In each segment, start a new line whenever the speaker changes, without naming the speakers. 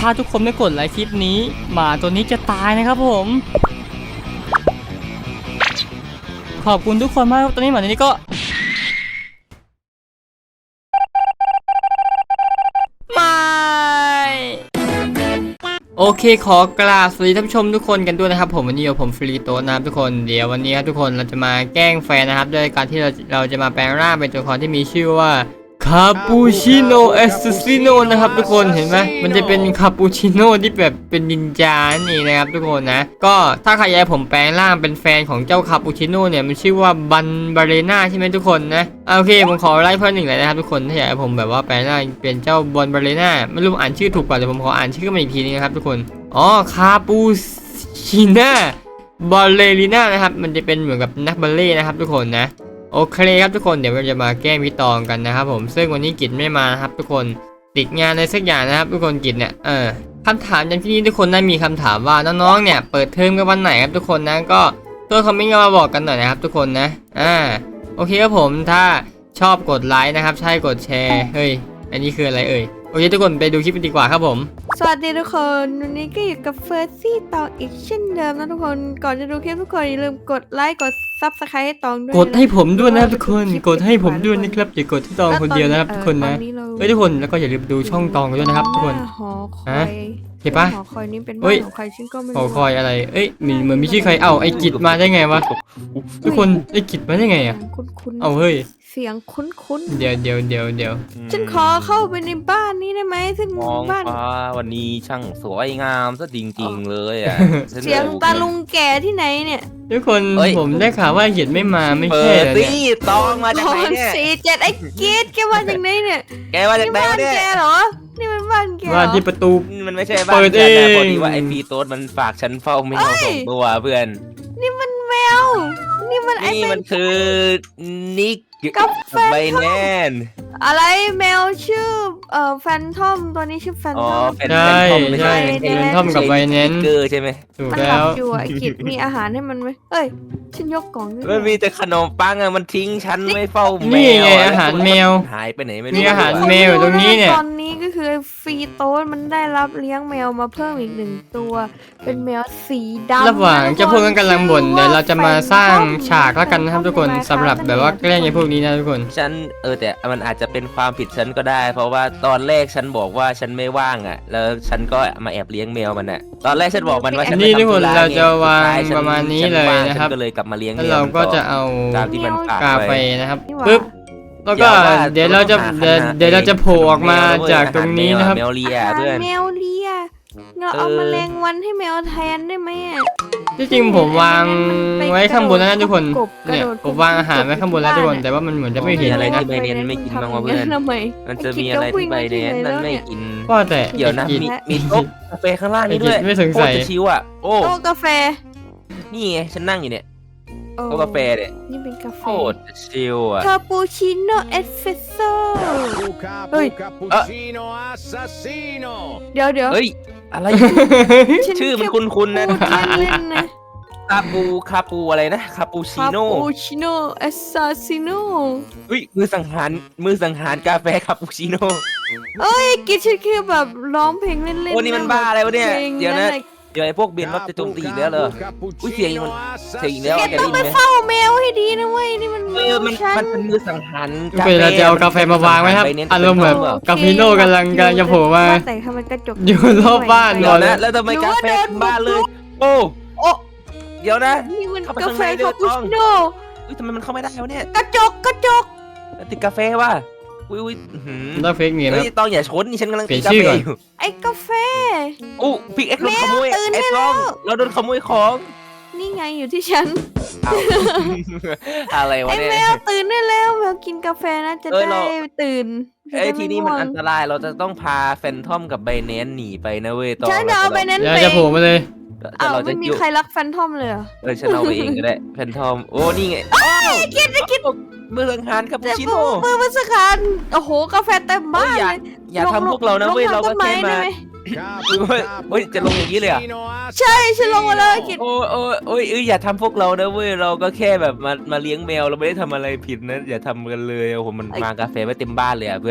ถ้าทุกคนไม่กดไลค์คลิปนี้หมาตัวนี้จะตายนะครับผมขอบคุณทุกคนมากตอนนี้หมาตัวนี้ก็ไม่โอเคขอกราบสวัสดีท่านผู้ชมทุกคนกันด้วยนะครับผมวันนี้ผมฟรีโต้นะครับทุกคนเดี๋ยววันนี้ครับทุกคนเราจะมาแกล้งแฟนนะครับด้วยการที่เราจะมาแปลงร่างเป็นตัวละครที่มีชื่อว่าคาปูชิโน่เอสซิโนนะครับทุกคนเห็นไหมมันจะเป็นคาปูชิโน่ที่แบบเป็นนินจานี่นะครับทุกคนนะก็ถ้าใครอยากให้ผมแปลงร่างเป็นแฟนของเจ้าคาปูชิโน่เนี่ยมันชื่อว่าบันบาเรน่าใช่ไหมทุกคนนะโอเคผมขอไล่เพิ่มหนึ่งเลยนะครับทุกคนถ้าอยากให้ผมแบบว่าแปลงร่างเป็นเจ้าบอลบาเรน่าไม่รู้อ่านชื่อถูกป่ะแต่ผมขออ่านชื่อมาอีกทีนึงนะครับทุกคนอ๋อคาปูชิน่าบอลเลริน่านะครับมันจะเป็นเหมือนกับนักบัลเล่นะครับทุกคนนะโอเคครับทุกคนเดี๋ยวเราจะมาแก้พี่ตองกันนะครับผมซึ่งวันนี้กิจไม่มานะครับทุกคนติดงานในสักอย่างนะครับทุกคนกิจเนี่ยคำถามอย่างที่นี่ทุกคนได้มีคำถามว่าน้องๆเนี่ยเปิดเทอมกันวันไหนครับทุกคนนะก็ตัวคอมเมนต์มาบอกกันหน่อยนะครับทุกคนนะโอเคครับผมถ้าชอบกดไลค์นะครับใช่กดแชร์เฮ้ยอันนี้คืออะไรเอ่ยโอเคทุกคนไปดูคลิปกันดีกว่าครับผม
สวัสดีทุกคนวันนี้ก็อยู่กับเฟิร์สซี่ตองอีกเช่นเดิมนะทุกคนก่อนจะดูคลิปทุกคนอย่าลืมกดไลค์กดซับสไครต์ให้ตองด้วย
กดให้ผมด้วยนะครับทุกคนกดให้ผมด้วยนะครับอย่ากดที่ตองคนเดียวนะครับทุกคนนะทุกคนแล้วก็อย่าลืมดูช่องตองด้วยนะครับทุกคน
หอคอย
เห็นปะ
หอคอยนี้เป็นบ้านของใครฉันก็ไม่รู้
หอคอยอะไรเอ้ยเหมือนมีชื่อใครไอ้กิจมาได้ไงวะทุกคนไอ้กิจมาได้ไงอ่ะ
คุ้น
เอาเฮ้ย
เสียงคุ้น
เดี๋ยว
ฉันขอเข้าไปในบ้านนี้ได้ไหมซึ่ง
มอง
บ้าน
ฟ้าวันนี้ช่างสวยงามซะจริงๆเลยอ่ะ
เสียงตาลุงแก่ที่ไหนเนี่ย
ทุกคนผมได้ข่าวว่ากิจไม่มาไม่ใช่
เหรอเนี่ยตองมาจากไหนเนี่ย
47ไอ้กีดแกมาจากไหนเนี่ย
แกมาจากไหนเนี่ย
แกเหรอนี่มันบ้านแก
บ้านที่ประตู
มันไม่ใช่บ้านฉันนะพอดีว่าไอพีโต๊ดมันฝากฉันเฝ้าไม่เอาส่งตัวเพื่อน
นี่มันแมวนี่
มันคือนิก
กับ
ใบแนน
อะไรแมวชื่อแฟนทอมตัวนี้ชื่อแฟนทอม
ใช่แฟนทอมกับไวเน้น
ใช่ไหม
ถูก
แล้
แล้ว
อยู่ไอ้กิจมีอาหารให้มันไหมเอ้ยฉันยกกล่อง
มันมีแต่ขนมปังอะมันทิ้งฉันไม่เฝ้าแมว
นี่ไงอาหารแมว
หายไปไหนไม่
รู้มีอาหารแมวตรงนี้เนี่ย
ตอนนี้ก็คือฟรีโต้มันได้รับเลี้ยงแมวมาเพิ่มอีก1ตัวเป็นแมวสีดำ
ระหว่างเจ้าพวกนั้นกำลังบ่นเดี๋ยวเราจะมาสร้างฉากแล้วกันนะครับทุกคนสำหรับแบบว่าแกล้งไอ้พวกนี้นะทุกคน
ฉันแต่มันอาจจะเป็นความผิดฉันก็ได้ เพราะว่าตอนแรกฉันบอกว่าฉันไม่ว่างอ่ะแล้วฉันก็มาแอบเลี้ยงแมวมันอ่ะตอนแรกฉันบอกมันว่าฉัน
นี่ทุกคนเราจะวางประมาณนี้เลยนะครับ
ก็เลยกลับมาเลี้ยงแมว
เราก็จะเอา
ตามที่มันฝาก
กาแฟนะครับปึ๊บแล้วก็เดี๋ยวเราจะโผล่ออกมาจากตรงนี้นะครับ
แมวเลียเพื่อน
แมวเลียเราเอาแมลงวันให้แมวแทนได้ไหม
ที่จริงผมวางไว้ข้างบนแล้วนะทุกคนเนี่ยผมวางอาหารไว้ข้างบนแล้วทุกคนแต่ว่ามันเหมือนจะไม่เห็นอะไรนะ
ใบเนนไม่กินบ้างวะเพื่อนมันจะมีอะไรที่ใบเนนมันไม่กิน
ก็แต่
เดี๋ยวนะมีโต๊ะกาแฟข้างล่างนี้ด้วย
ไม่สงสัย
ชิวอ่ะโอ้
กาแฟ
นี่ไงฉันนั่งอยู่เนี่ยโต๊ะกาแฟเนี่ย
นี่เป็นกาแฟ
โคตรชิวอ่ะ
คาปูชิโน่เอสเฟรสโซ่เฮ้ยเดี๋ยว
เฮ้ยอะไรชื่อมันคุ้นๆนะคาปูอะไรนะคาปูชิโน่
เอสซาซิโน่
เฮ้ยมือสังหารกาแฟคาปูชิโน่
เอ้ยกินชื่อคือแบบร้องเพลงเล่นๆ
โอ้นี่มันบ้าอะไรวะเนี่ยเดี๋ยวนะเดี๋ยวไอ้พวกเบนรับจะโจมตีอีกแล้วเหรออุ้ยเสียงอีกแล้ว
แกต้องไปเฝ้าแมวให้ดีนะเว้ยนี่มัน
เป็นมือสังหาร
เราจะเอากาแฟมาวางไว้ครับอารมณ์แบบกาแฟโน่กำลังจะโผล่มา
แต่ทำไมกระจก
อยู่รอบบ้าน
ก่อนนะแล้วทำไมกาแฟบ้านเลยโอ้เดี๋ยวนะ
นี่มันกาแฟคาปูชิโน่
อุ้ยทำไมมันเข้าไม่ได้วะเนี่ย
กระจก
ติดกาแฟว่ะอุ้ย
ต้องเฟกเนียนะ
ต้องอย่าชนนี่ฉันกำลังตีกาแฟอยู่
ไอ้กาแฟ
อู้พิกเอ็กซ์โดนขโมยไอ้ต้องเราโดนขโมยของ
นี่ไงอยู่ที่ฉัน
อะไรวะเนี่ย
ไอ้แมวตื่นได้แล้วแมวกินกาแฟนะจะได้ตื่น
ทีนี้มันอันตรายเราจะต้องพาแฟนทอมกับไบเนนหนีไปนะเว้ย
ตอนฉันเอาไบเนนไป
จะโผล่มาเลย
ไม่มีใครรักแฟนทอมเลย
ฉันเอาไปเองก็ได้แฟนทอมโอ้นี่ไง
คิด
มือสังหารคาปูชิโน่
มือสังหารโอ้โหกาแฟเต็มบ้านเลย
อย่าทำพวกเรานะเว้ยเราก็แค่มาเฮ้ยจะลงอย่างนี้เลยอ่ะ
ใช่ฉันลงมาเลยกิน
โอ้ยอย่าทำพวกเรานะเว้ยเราก็แค่แบบมาเลี้ยงแมวเราไม่ได้ทำอะไรผิดนะอย่าทำกันเลยโอ้โหมันมากาแฟไม่เต็มบ้านเลยอ่ะเพื่อน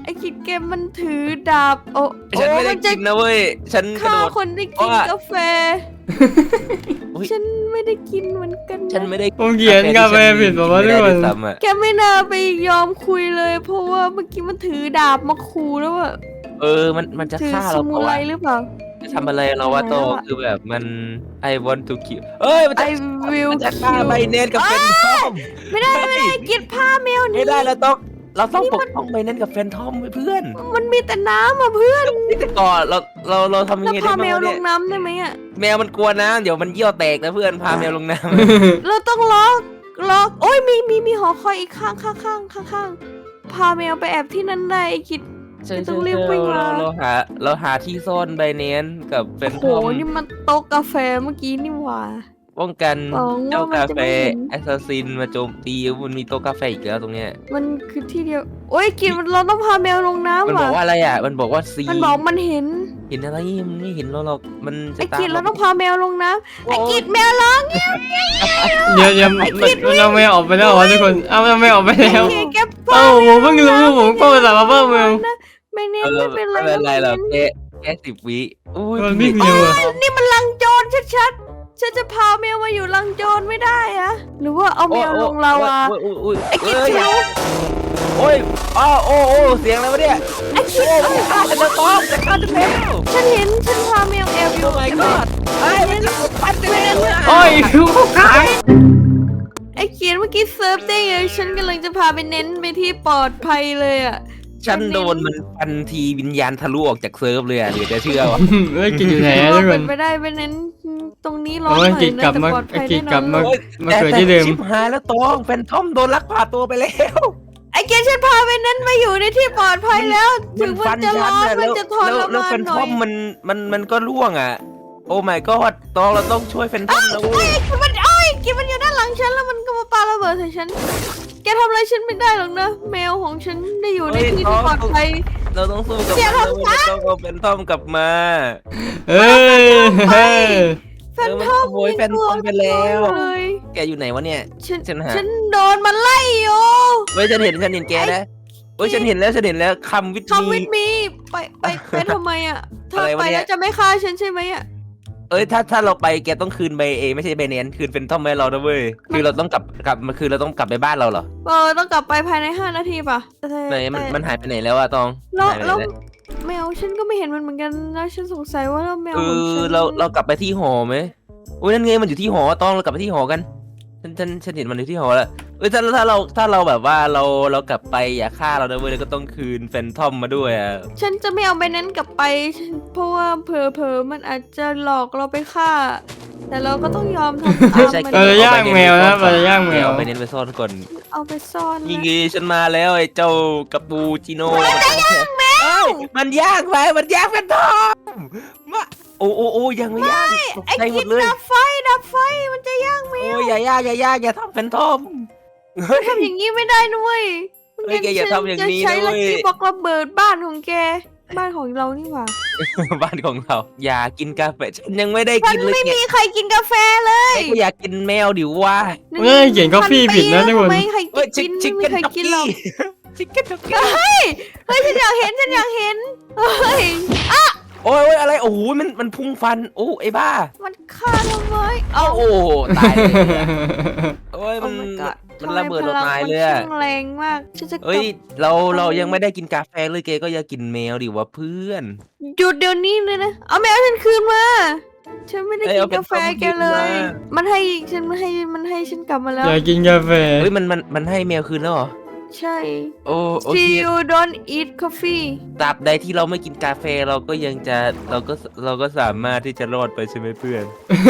ไอ้กิจแกมันถือดาบโอ้
ฉันไม่ได้
มันจะ
กินนะเว้ยฉันกระ
ฆ่า
โดด
คนที่กินกาแฟ
อุ๊ย
ฉันไม่ได้กินเหมือนกัน
ฉัน
นะ
ไม่ได้
ผมเขียนกาแฟผิดบอกว่าทุกคน
แกไม่น่าไปยอมคุยเลย เพราะว่าเมื่อกี้มันถือดาบมาขู่แล้วอะ
มันจะ
ถือ
ฆ่า
ส
เรา
มุ
เปล่า
ไร
วะ
หรือเปล่า
จะทำอะไรเราวะ
ไม่
โต
แล้วอะ
คือแบบมัน I want to kill เอ้ยมันจะ
I will
มันจะฆ่า
kill
ใบเนตกับเฟนทอม
ไม่ได้กินผ้าแมวนี้
ไม่ได้เราต้องปกป้องใบเนตกับเฟนทอมไว้เพื่อน
มันมีแต่น้ำอ่ะเพื่อน
นี่แต่ก่อนเราทำยัง
แล้ว
ไงได้
พา
บ้าง
แมว
วะ
ล
เนี่ย
งน้ำได้ไหมอ่ะ
แมวมันกลัวน้ำเดี๋ยวมันเยี่ยวแตกนะเพื่อนพาแมวลงน้
เราต้องล็อกโอ้ยมีหอคอยอีกข้างพาแมวไปแอบที่นั่นได้ไอ้คิด
ำ
ไม่ต้องรีบวิ่งมา
เราหาที่ซ่อนใบเนตกับเฟน
โอ้โห
ทอม
นี่มันโต๊ะกาแฟเมื่อกี้นี่หว่า
ป้องกัน
หวังว่า
เจ้า
มัน
กา
จะ
แฟ
ไม่เห็น
แอสซัสซินมาโจมตีมันมีโต๊ะกาแฟอีกแล้วตรงเนี้ย
มันคือที่เดียวโอ้ยกินเราต้องพาแมวลง
มัน
น้ำ
บอ
ว่ะ
กว่าอะไรอ่ะมันบอกว่าซี
มันบอกมันเห็น
เห็นอะไรมันไม่เห็นเราหรอกมันจะ
ไอ้
ตาม
กิดเราต้องพาแมวลงน้ำไอ้กิด
โ
แมวร้อง
เดี๋ยวมันเอาไม่ออกไปแล้วเหรอทุกคนเอามันไม่ออกไปแล้ว
ไอ้แก
เอ้าผมเพิ่งรู้ผมก็ภาษามาเพิ่มเอง
ไม่เน้
เอน อ
ไม่เป็นไร
ไม่เป็นไรหรอก
ม่
แค่10 วิอุ้ย
มันวิ่งเร็วอะ
นี่มันลังโจรชัดๆฉันจะพาแมวมาอยู่ลังโจรไม่ได้อะหรือว่าเอาแมวลงลาวา
อุ้ย
ไอ้กิด
เอ้ย
คิว
โอ้ยอ้าวโอ้เสียงอะไรวะเนี่ย
ไอ้คิด
โอ้จะฆ่าฉันแล้วต้อมจะฆ่าฉันแล้ว
ฉันเห็นฉันพาแมวแอบอยู่
โอ้ my god ไอ้มันจะปัดเลย
โอ้ยคือเขาขาย
ไอ้เขียนเมื่อกี้เซิร์ฟได้ไงฉันกำลังจะพาไปเน้นไปที่ปลอดภัยเลยอะ
ฉันโดนมันฟันทีวิญญาณทะลุออกจากเซิร์ฟเลยอ่ะเดี๋ยวจะเชื่อวะ
เอ้ยกินอยู่ไหน
คิด
อะ
ว่า
ทุกค
เป็น นไปได้ไปเน้นตรงนี้ร้อน
โอ้
ห
ย
น่อย
กิด
นะ
กลับ
แต่
มา
ปลอดภัย
กิ
แน่
ด
น
กลั
อบ น
มา
โอ้ย
มาเกิดที่เดิม
ชิบหายแล้วตองแฟนทอมโดนลักพาตัวไปแล้ว
ไอ้เขียนฉันพาไปเน้นมาอยู่ในที่ปลอดภัยแล้ว ถึงมันจะร้อน
อะ
มันจะทร
แล้ว
มาน
แฟน
หน่
ท
อ
อย มมันก็ร่วงอ่ะ โอ้ my god ตองเราต้องช่วยแฟนทอมนะเว้ย
กินมันอยู่ด้านหลังฉันแล้วมันก็มาปาระเบิดใส่ฉัน แกทำอะไรฉันไม่ได้หรอกนะ แมวของฉันได้อยู่ในที่ที่ปลอดภัย
เราต้องสู้กับ
อย่า
มัน
ทำ
เราต้องเอาแฟนทอมกลับมา
เอ้ยเฮ้ย
แฟนทอม
โอ้ยแฟนทอมไปแล้ว
เลย
แกอยู่ไหนวะเนี่ย ฉันหา
ฉันโดนมันไล่อยู่
เว้ยฉันเห็นแกนะเว้ยฉันเห็นแล้วคำวิท
คำวิ
มี
ทมีไปทำไมอ่ะเธอ
อะไรวะ
ไป
เนี่ย
แล้วจะไม่ฆ่าฉันใช่ไหมอ่ะ
เอ้ยถ้าเราไปแกต้องคืนใบเอไม่ใช่ใบเนียนคืนแฟนทอมให้เรานะเว้ยคือเราต้องกลับมาคือเราต้องกลับไปบ้านเราเหรอ
ต้องกลับไปภายใน5 นาทีป่ะแต่
ไหนมันหายไปไหนแล้วอะตอง
แล้ว
หายไปไหน
แล้ว
แล้ว
แมวฉันก็ไม่เห็นมันเหมือนกันแล้วฉันสงสัยว่าแล้วแมว
เอ
ของฉั
อน เรากลับไปที่หอไหมอุ้ยนั่นไงมันอยู่ที่หอตองเรากลับไปที่หอกันฉันเห็นมันอยู่ที่หอแล้วเอ้ยถ้าเราแบบว่าเรากลับไปอย่าฆ่าเรานะเว้ยแล้วก็ต้องคืนแฟนทอมมาด้วยอะ
ฉันจะไม่เอาไปนั้นกลับไปเพราะว่าเผลอๆมันอาจจะหลอกเราไปฆ่า แต่เราก็ต้องยอมทำตามมัน
เราจะย่างแมวนะเราจะย่างแมว
เอาไปเน้นไปซ่อนก่อน
เอาไปซ่อน
ยิง
นะ
งี้ฉันมาแล้วไอ้เจ้ากาปูจิโน่มันย่างแมวมันย่างไปมันย่างแฟนทอมมาโอ้ยังไม่ย่างตก
ไอ้
ใจหม
กิ
ด
น
เลย
ดับไฟมันจะย่างแมว
โอ้ยอย่าอย่าทำแฟนทอมเฮ้ย
ทำอย่างนี้ไม่ได้นุ้ย
เฮ้ยแกอย่าทำอย่างนี้
จะใช้
นะเว้
ลั
ย
กกี้บอกระเบิดบ้านของแก บ้านของเรานี่หว่า
บ้านของเรา อย่ากินกาแฟฉันยังไม่ได้
ฉั
กิ
น
นเลย
ไม่
แก
มีใครกินกาแฟเลย
ก็อยากกินแมวดิว่า
เอ้ยเขียน coffee ผิดนะทุกคน
ไม่ใคร
เฮ้ย
กิน
ชิค
ไม่
เก้น
มีใคร
จ็อก
กิน
กี้
หรอก
ชิคเก้นจ็อกกี้
เฮ้ยฉันอยากเห็นเฮ้ย
โอ้ยอะไรโอ้โหมันพุ่งฟันโอ้ไอ้บ้า
มันฆ่าทำไม
โอ้โหตายเลยอะโอ้ย
โอ้
มัน
my god
มันระเบิด
ทำไม
เราตายเลย
พ
อะ
งมันช่างแรงมากฉันจะกลับ
เอ้ยเรายังไม่ได้กินกาแฟเลยแกก็อย่ากินแมวดิวะเพื่อน
หยุดเดี๋ยวนี้เลยนะเอาแมวฉันคืนมาฉันไม่ได้
เอ้ย
กิ
เอา
น
เป็น
กาแฟ
ต้ม
แก
กิน
เลย
มา
มันให้ฉันกลับมาแล้ว
อยากกินกาแฟ
เฮ้ยมันให้แมวคืนแล้วเหรอ
ใช่
โอ้โอเค
See you don't eat coffee
ตราบใดที่เราไม่กินกาแฟเราก็ยังจะเราก็สามารถที่จะรอดไปใช่ไหมเพื่อน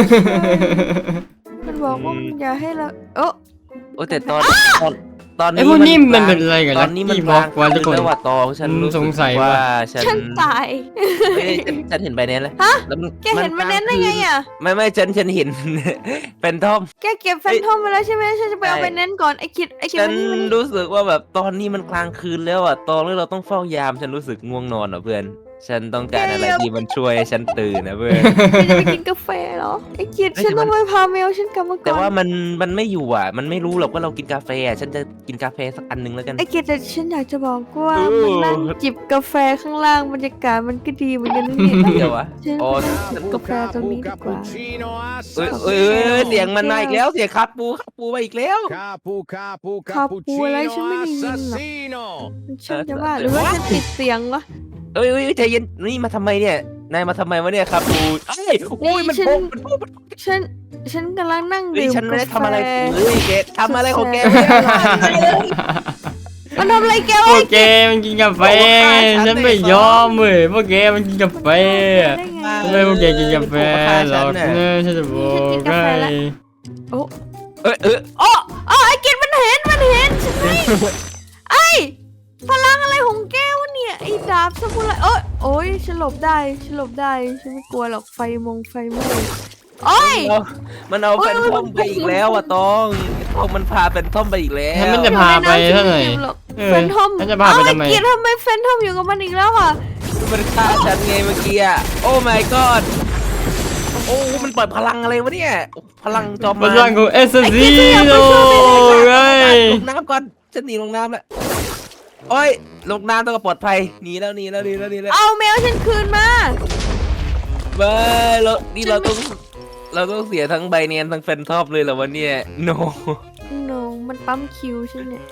มันบอกว่า
อืม
อย่าให้เรา
โอ้แต่ตอนนี้
ไอ้พวกนี้มันเป็นอะไรกัน
ตอ
นะ
นนี้มัน
ที่บล็อกไว้ทุกคน
แล้วว่าตองฉันรู้
สงสัย
ว่า
ว่า
ฉันตาย
เฮ้ยฉันเห็นใบเน้นเลย
ฮะ
แล้วมัน
แกเห็นมันเน้นได้ไงอ่ะ
ไม่ฉันเห็น เป็นทอม
แกเก็บแฟนทอมไปแล้วใช่ไหมฉันจะไปเอา
ใช่
ไปเน้นก่อนไอ้คิด
ฉัน
มัน
รู้สึกว่าแบบตอนนี้มันกลางคืนแล้วอ่ะตอนนี้เราต้องเฝ้ายามฉันรู้สึกง่วงนอนอ่ะเพื่อนฉันต้องการอะไรที่มันช่วยให้ฉันตื่นนะเพื่อน
แกจะไปกินกาแฟเหรอไอ้กิจฉันต้องไปพาแมวฉันกลับมาก่อน
แต่ว่ามันไม่อยู่อ่ะ มันไม่รู้หรอกว่าเรากินกาแฟอ่ะฉันจะกินกาแฟสักอันหนึงแล้วกัน
ไอ้กิจแต่ฉันอยากจะบอกว่า
เออ
มันนั่งจิบกาแฟข้างล่างบรรยากาศมันก็ดีเหมือนกันนะเนี่ย
เดี๋ยววะ
ฉัน
อ๋อ
จิบกาแฟตรงนี้ดีกว่า
เอ้ยเสียงมันมาอีกแล้วเสียงคาปูมาอีกแล้ว
คาปูอะไรฉันไม่ได้ยินหรอก มันช่างจะว่าหรือว่าฉันติดเสียงวะ
เอ้ยใจเย็นนี่มาทำไมเนี่ยนายมาทำไมวะเนี่ยคาปูเอ้ยโอ้ยมันโป่งมันโป่ง
ฉันกำลังนั่ง
เฮ้ย
ดื่ม
ฉันไม่ได้
กา
ทำอะไร
แฟ
เฮ้ยแกทำอะไรของแกเนี่ย
มันทำอะไรแก
พว
วะ
กแกมันกินกาแฟฉันไม่ยอมเลยพวกแกมันกินกาแฟ
ได้ไง
ทำไมพวกแกกินกาแฟหรอกเนี่ยฉันจะบอกให้
โอ้
เออ
อ๋อไอ้กิจมันเห็นฉันไม่ไอ้พลังอะไรของแกวะเนี่ยไอ้ดาบซามูไรโอ้ยฉันหลบได้ฉันไม่กลัวหรอกไฟไหม้โอ้ย
มันเอาแฟนทอมไปอีกแล้วอะตองทองมันพาแฟนทอมไปอีกแล้ว
ฉันมันจะพาไปเท่าไหร่
แฟนทอม
ฉันจะพาไปทำไม
ไอ้กิจทำไมแฟนทอมอยู่กับมันอีกแล้วอ่ะ
มันฆ่าฉันไงเมื่อกี้อะโอ้ my god โอ้มันปล่อยพลังอะไรวะเนี่ยพลังจอม
พลังของเอสซีโนไง
ลงน้ำก่อนฉันหนีลงน้ำแล้วโอ้ยลงน้ำต้องปลอดภัยหนีแล้ว
เอาแมวฉันคืนมา
เบ้ยเราต้องเสียทั้งใบเนียนทั้งแฟนทอปเลยเหรอวะเนี่ย no
no มันปั๊มคิวฉันเนี่ย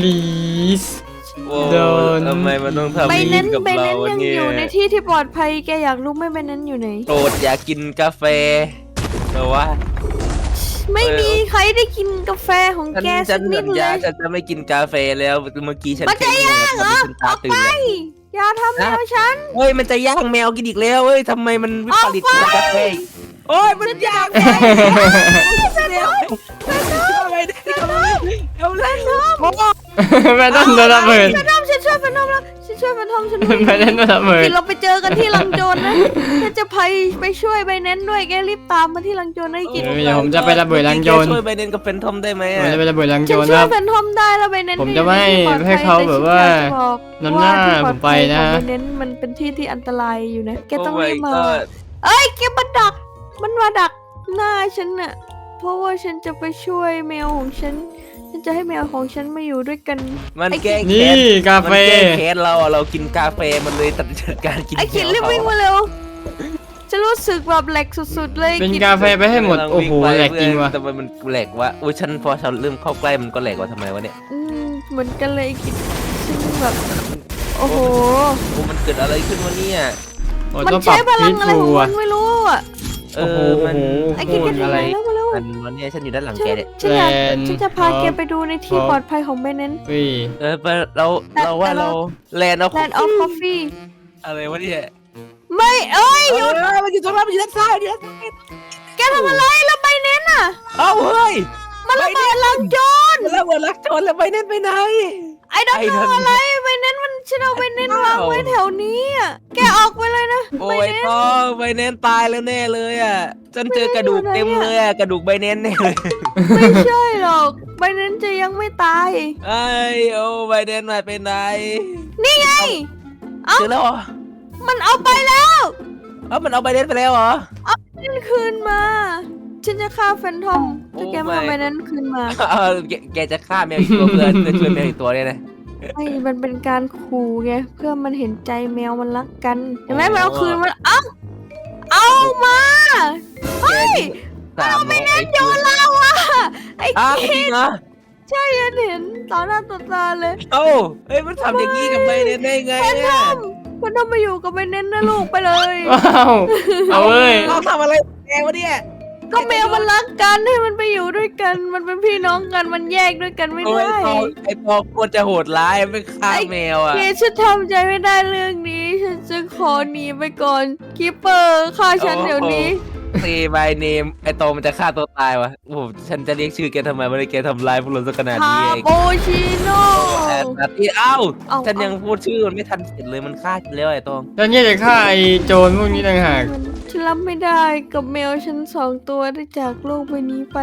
please
โอ้
โดน
ทำไมมันต้องทำ
ใบ
อย่าง
เน้
นี้
น
กับ
ใบ
เรา
เน้น
วะ
ยัง
เนี่
อย ยู่ในที่ที่ปลอดภัยแกอยากรู้ไหมใบเน้นอยู่ไหน
โปรดอย่ากินกาแฟแต่ว่า
ไม่มีใครได้กินกาแฟของแก
ฉั
สั
น
กนิ
สั
ด
ญ
เล
ญาย ฉันจะไม่กินกาแฟแล้วเมื่อกี้ฉัน
มันจะย่างเหรอ
ฉันตาตื่นแล้ว
อย่าทำแมวฉัน
เฮ้ยมันจะย่างแมวกินอีกแล้วเฮ้ยทำไมมันวิปริตกับกาแฟโอ้ยมันย่างแมวเดี๋ยวทำไมเอาเลย
แม่ต้องโดนระเบิด
แฟนทอมฉันช่วยแฟนทอมแล้วฉันช่วยแฟนทอมฉันด้วย
แม่ต้องโดนระเบิด
กินเราไปเจอกันที่ลังโจรนะฉันจะไปช่วยใบเน้นด้วยแกรีบตามมาที่ลังโจรให้กิน
เดี๋ยวผมจะไประเบิดลังโจร
ช่วยไปเน้นกับเฟนทอมได้ไหม
ผมจะไประเบิดลังโจ
ฉัน
ร
ช่
คว รั
ย
บ
แฟนทอมได้แล้วใบเน้น
ผมจะไม่ให้เขาแบบว่า นำหน้าผมไปนะ
ใบเน้นมันเป็นที่ที่อันตรายอยู่นะแกต้องรีบมา
โ my god
เอ้ยแกมาดัก มันมาดักหน้าฉันน่ะ เพราะว่าฉันจะไปช่วยแมวของฉัน ฉันจะให้แมวของฉันมาอยู่ด้วยกัน
มันแก้
นี่
แค้น
กาแฟ
มันแก้แค้นเราอะเรากินกาแฟมันเลยตัดการกิน
ไอ้กิน
แม
รีบ
เขา
วิ่งมาเร็ว ฉันรู้สึกแบบแหลกสุดๆเลย
เป็น
กิ
กาแฟไปให้หมด โอ้โหแหลกจริงว่ะ
แต่มันแหลกวะอุ้ยฉันพอฉันเริ่มเข้าใกล้มันก็แหลกว่ะทำไมวะเนี่ย
เหมือนกันเลยกินฉันแบบ โอ้โห
โอ้มันเกิดอะไรขึ้นวะเนี่ย
โอ้
มัน
ต้องปรั
ใช้
บ
พลั
พิ
ง
ษ
อะไร
ฟู
ของมั
อ่ะ
นไม่รู้อ่ะ
เอ
โอ้โห
อมัน
ไอ้กินกัน
อะไร
แล้วมาเร็ว
มันวันนี้ฉันอยู่ด้านหลัง
ฉั
แก
น
เนี่ย
ฉันอยาก
แลนด์
ฉันจะพาแกไปดูในที่
ครับ
ปลอดภัยของแม่เน้น
เฮ้ย
ไปเราว่าเราแลนด์เอา
Land of Coffee
อะไรวะเนี่ย
ไม่เอ้ยหยุด
มันอยู่ตรงนั้นมันอยู่ด้านซ้ายอยู่ด้านซ้าย
แกทำอะไรแล้วใบเน้นอ่ะ
เอ้าเฮ้ย
มันระเบิดลังโจร
แล้วเหมือนรักโจรแล้วไปเน้นไปไหน
ไอ้ดอก
ไอ้นั่น
อะไรใบเน้นมันฉันเอาใบเน้นวางไว้แถวนี้อ่ะแกออกไปเลยนะ
โอ้ยต้องไปเน้นตายแล้วแน่เลยอ่ะฉันเจอกระดูกเต็มเลยอ่ะกระดูกใบเน้นแน่เลย
ไม่ใช่หรอกใบเน้นจะยังไม่ตาย
ไอ้โอ้ใบเน้นมาเป็นไหน
นี่ไง
เจอแล้วเหรอ
มันเอาไปแล้ว
มันเอาใบเน้นไปแล้วเหรอ
มันคืนมา ฉันจะฆ่าแฟนทอมถ้าแกไม่เอา
Oh my
ใบนั้นคืนมา
แกจะฆ่าแมวอีกตัวเพื่อนช่วยแมวอีกตัวเนี่ยนะ
ไอ้มันเป็นการขู่ไงเพื่อมันเห็นใจแมวมันรักกันเห็นไหม
อ๋อ
มันเอาคืนมันเอามา
เฮ้ยสามร้อยไอ้
โยนเราอ่ะไอ้
อ้าว
กิ
จริงเหรอ
ใช่ฉันเห็นต่อหน้าต่อตาเลย
เอ้าเฮ้ยมันทำอย่างนี้กับใบเน้นได้ไงเนี่ย
มันต้องมาอยู่กับใบเน้นนะลูกไปเลย
ว้าวเอาเว้ย
เราทำอะไรแกวะเนี่ย
ก็แมวมันรักกันให้มันไปอยู่ด้วยกัน มันเป็นพี่น้องกันมันแยกด้วยกันไม่
โอ้ย
ได้
ไอ้ปอควรจะโหดร้ายไม่ฆ่าแมวอ่ะ
เกฉันทำใจไม่ได้เรื่องนี้ ฉันจะขอหนีไปก่อนคีเปอร์ฆ่าฉันเดี๋ยวนี้
ตีใบเนมไอ้โตมันจะฆ่าตัวตายวะโอ้โหฉันจะเรียกชื่อแกทำไมไม่ได้แกทำลายพวกเราสักขนาด
คา
นี้เอง
โปชิโน่
แต่นาทีเอ้า
เอา
ฉันยังพูดชื่อมันไม่ทันเสร็จเลยมันฆ่าฉันแล้วไอ้ตอง
แล้วเนี่ยจะฆ่าไอ้โจรพวกนี้ต่างหาก
ฉันรับไม่ได้กับแมวฉัน2 ตัวได้จากโลกใบนี้ไป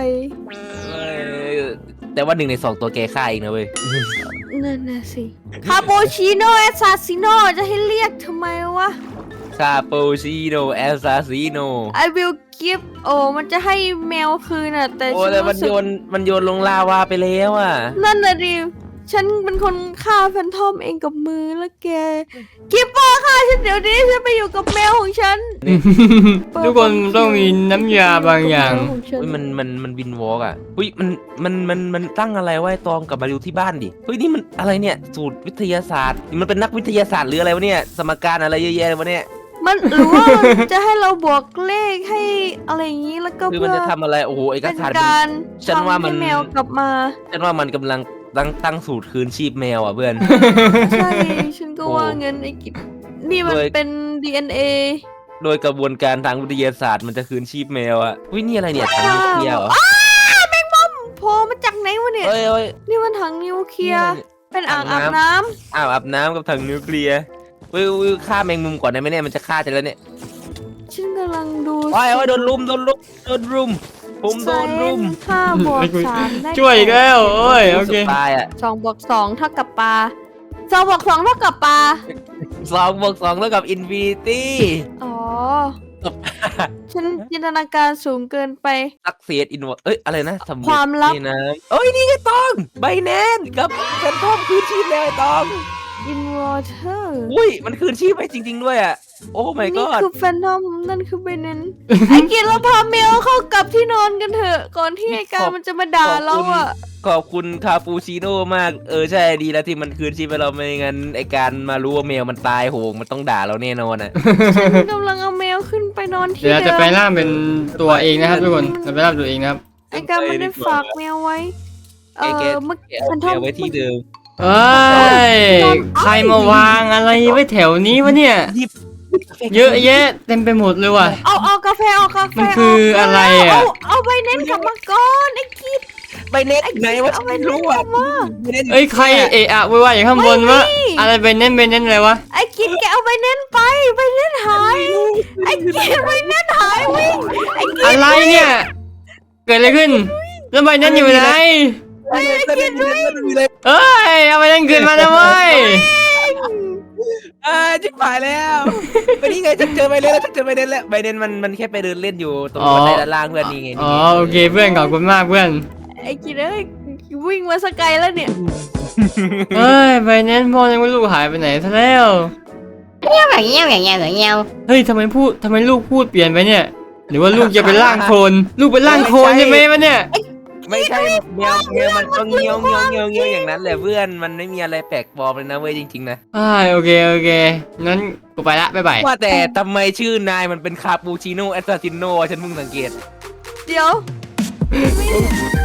แต่ว่า1 ใน 2ตัวแกฆ่าเองนะเว้ย
นั่นน่ะสิคาโปชิโน่แอสซาซิโน่จะให้เรียกทำไมวะ
คาปูชิโนแอสซาซิโน
I will give โอ้มันจะให้แมวคืนอ่ะแต่
โอ้
ฉัน
แต่มัน
รู้สึ
โย
ก
นลงลาวาไปแล้วอ่ะ
นั่นน่ะดิฉันเป็นคนฆ่าแฟนทอมเองกับมือแล้วแกกิปเปอร์ฆ่าฉันเดี๋ยวนี้ฉันไปอยู่กับแมวของฉัน
ทุกคนต้องมีน้ำยาบางอย่าง
อุ้ยมันวินวอล์กอ่ะอุ้ยมันตั้งอะไรไว้ตองกลับมาดูที่บ้านดิเฮ้ยนี่มันอะไรเนี่ยสูตรวิทยาศาสตร์มันเป็นนักวิทยาศาสตร์หรืออะไรวะเนี่ยสมการอะไรเยอะแยะเลยวะเนี่ย
มันหรือว่ามันจะให้เราบวกเลขให้อะไรอย่างนี้แล้วก็
คือมัน
เพื่อ
จะทำอะไรโอ้โหเอก
เป็น
สาร
การ
ฉันว่า
ทำ
มั
ให้
น
แมวกลับมา
ฉันว่ามันกำลังตั้งสูตรคืนชีพแมวอ่ะเพื่อน
ใช่ฉันก็ว่าเงินไอ้กิจนี่มัน
โดย
เป็น DNA
โดยกระบวนการทางวิทยาศาสตร์มันจะคืนชีพแมวอ่ะอุ้ยนี่อะไรเนี่ยถังนิวเคลียร์เหรอ
โผล่มาจากไหนวะเนี่ย
เอ้ย
นี่มันถังนิวเคลียร์
นี่
เป็นอ่าง
ถั
อาง บ
น้ำ
น้
อาบน้ำกับถังนิวเคลียร์อุ้ยฆ่าแมงมุมก่อนได้ไหมเนี่ยมันจะฆ่าจะแล้วเนี่ย
ำฉันกำลังดู
โอ้ยโดนรุมผมโดนรุม
5+3ได้
ช่วยอีกแล้วโอ้ยโอเค
ตายอ่ะ
2+2 เท่ากับปลา2+2 เท่ากับปลา
2+2แล้วกับอินฟินิตี้
อ๋อ ฉันจินตนาการสูงเกินไป
ซักเซียดอินวเอ้ยอะไรนะสำเร็จ
ความลับ
นี่นะเอ้ยนี่ไงตองใบแนนกับแฟนทอมคืนชีพแล้วไอ้ตอง
in water
อุ้ยมันคืนชีพไปจริง ๆด้วยอ่ะโอ้ my
นี่
god
คือแฟนทอมนั่นคือเบนเนน ไอ้กินเราพาแมวเข้ากลับที่นอนกันเถอะ ก่อนที่ไอ้การมันจะมาด่าเราอ่ะ
ขอบคุณคาปูชิโน่มากใช่ดีแล้วที่มันคืนชีพไปเราไม่งั้นไอการมารู้ว่าแมวมันตายโหงมันต้องด่าเราแน่นอนอ่ะ
ฉันกำลังเอาแมวขึ้นไปนอนที่
เดี๋ยวเรา
เดิ
จะ
ม
ไปล่างเป็นตัวเองนะครับทุกคนเราไปล่างตัวเองนะครับ
ไอ้การมันได้ฝากแมวไว้
แก
เมื่อ
แกเอา
มัน
แมวไว้ที่เดิม
เอ้ยใครมาวางอะไรไว้แถวนี้วะเนี่ย
หยิบ
เยอะแยะเต็มไปหมดเลยว่ะ
เอากาแฟเอากาแฟ
มันคืออะไรอะ
เอาใบเน้นกลับมาก่อนไอ้กิด
ใบเน็ตไหนวะ
เอาใบ
ไม่
เน้น
รู้
ก
อ่ะ
ลับมา
ใบเน็ต
เอ้ยใครเอะอะวุ่นวายอยู่ข้างบนวะอะไรเป็นเน้นอะไรวะ
ไอ้กิดแกเอาใบเน้นไปใบเน้นหายไอ้กิดใบเน้นหายวิ่งไอ้กิด
อะไรเนี่ย เกิดอะไรขึ้นแล้วใบนั้นอยู่ไหน
ใบเน็ตมีเลย
เอ้ยเอาใบนั้นคืนมาแล้วเว้ย
จิบหายแล้วไปนี่ไงฉันเจอใบเน็ตแล้วฉันเจอใบเน็ตแล้วใบเน็ตมันแค่ไปเดินเล่นอยู่ตรงบันไดด้านล่างเพื่อนนี่ไง
อ๋อโอเคเพื่อนขอบคุณมากเพื่อน
ไอ้กิดเอ้ยวิ่งมาสกายแล้วเนี่ย
เอ้ยใบนั้นพ่อยังไม่รู้หายไปไหนซะแล้ว
แบบเงี้ยว
เฮ้ยทำไมลูกพูดเปลี่ยนไปเนี่ย หรือว่าลูกจะเป็นร่างโคลนลูกเป็นร่างโคลนใช่ไหมวะเนี่ย
ไม่ใช่แมวมันก็เงี้ยวอย่างนั้นแหละเพื่อนมันไม่มีอะไรแปลกปลอมเลยนะเว้ยจริงๆนะ
โอเคงั้นกูไปละบ๊ายบาย
ว่าแต่ทำไมชื่อนายมันเป็นคาปูชิโน่แอสซาซิโน่ฉันเพิ่งสังเกต
เดี๋ยว